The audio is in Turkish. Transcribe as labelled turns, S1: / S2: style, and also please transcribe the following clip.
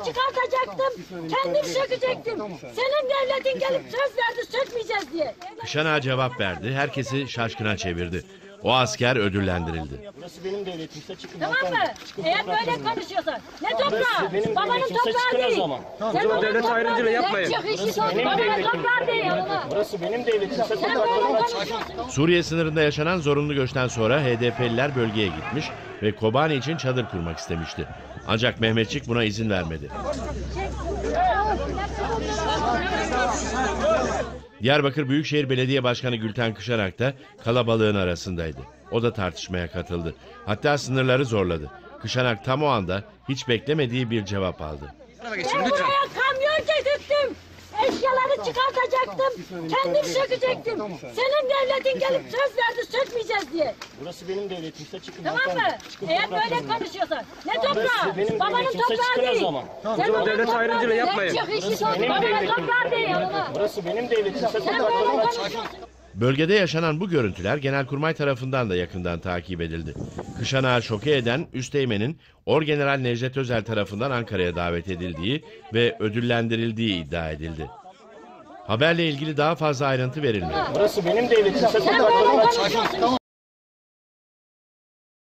S1: çıkartacaktım. Kendim sökecektim. Senin devletin gelip söz verdi sökmeyeceğiz diye.
S2: Kışanağa cevap verdi, herkesi şaşkına çevirdi. O asker ödüllendirildi.
S3: Burası benim devletimse çıkın.
S1: Tamam mı? Eğer böyle konuşuyorsan. Ne toprağı?
S3: benim
S1: Babanın
S3: devletimse
S1: toprağı
S3: çıkın o
S1: değil.
S3: zaman.
S1: Sen onun
S4: devlet
S1: toprağı
S4: ayrımcılığı
S1: değil.
S4: yapmayın.
S1: Çık işi
S3: benim
S1: babanın
S3: devletim.
S1: toprağı değil.
S3: Burası benim devletimse
S1: Sen böyle
S3: topraklarıma
S1: konuşuyorsun.
S2: Suriye sınırında yaşanan zorunlu göçten sonra HDP'liler bölgeye gitmiş ve Kobani için çadır kurmak istemişti. Ancak Mehmetçik buna izin vermedi. Diyarbakır Büyükşehir Belediye Başkanı Gülten Kışanak da kalabalığın arasındaydı. O da tartışmaya katıldı. Hatta sınırları zorladı. Kışanak tam o anda hiç beklemediği bir cevap aldı.
S1: Ben buraya kamyon getirdim. Eşyaları çıkartacaktım. Kendim sökecektim. Senin devletin gelip söz verdi sökmeyeceğiz diye.
S3: Burası benim devletimse çıkın.
S1: Tamam mı? Eğer böyle konuşuyorsan. Ne toprağı?
S3: benim
S1: Babanın
S3: devletimse
S1: toprağı
S3: çıkın o
S1: değil.
S3: zaman.
S1: Sen onun
S4: devlet
S1: toprağı
S4: ayrımcılığı
S1: değil.
S4: yapmayın.
S1: Çık işi
S3: benim
S1: babanın
S3: devletim.
S1: toprağı değil.
S3: Burası benim devletimse
S1: Sen böyle
S3: topraklarıma
S1: konuşuyorsun.
S2: Bölgede yaşanan bu görüntüler Genelkurmay tarafından da yakından takip edildi. Kışanağı şoke eden Üsteğmen'in Orgeneral Necdet Özel tarafından Ankara'ya davet edildiği ve ödüllendirildiği iddia edildi. Haberle ilgili daha fazla ayrıntı verilmedi.
S3: Burası benim devletimse
S1: Sen böyle
S3: topraklarıma
S1: konuşuyorsun.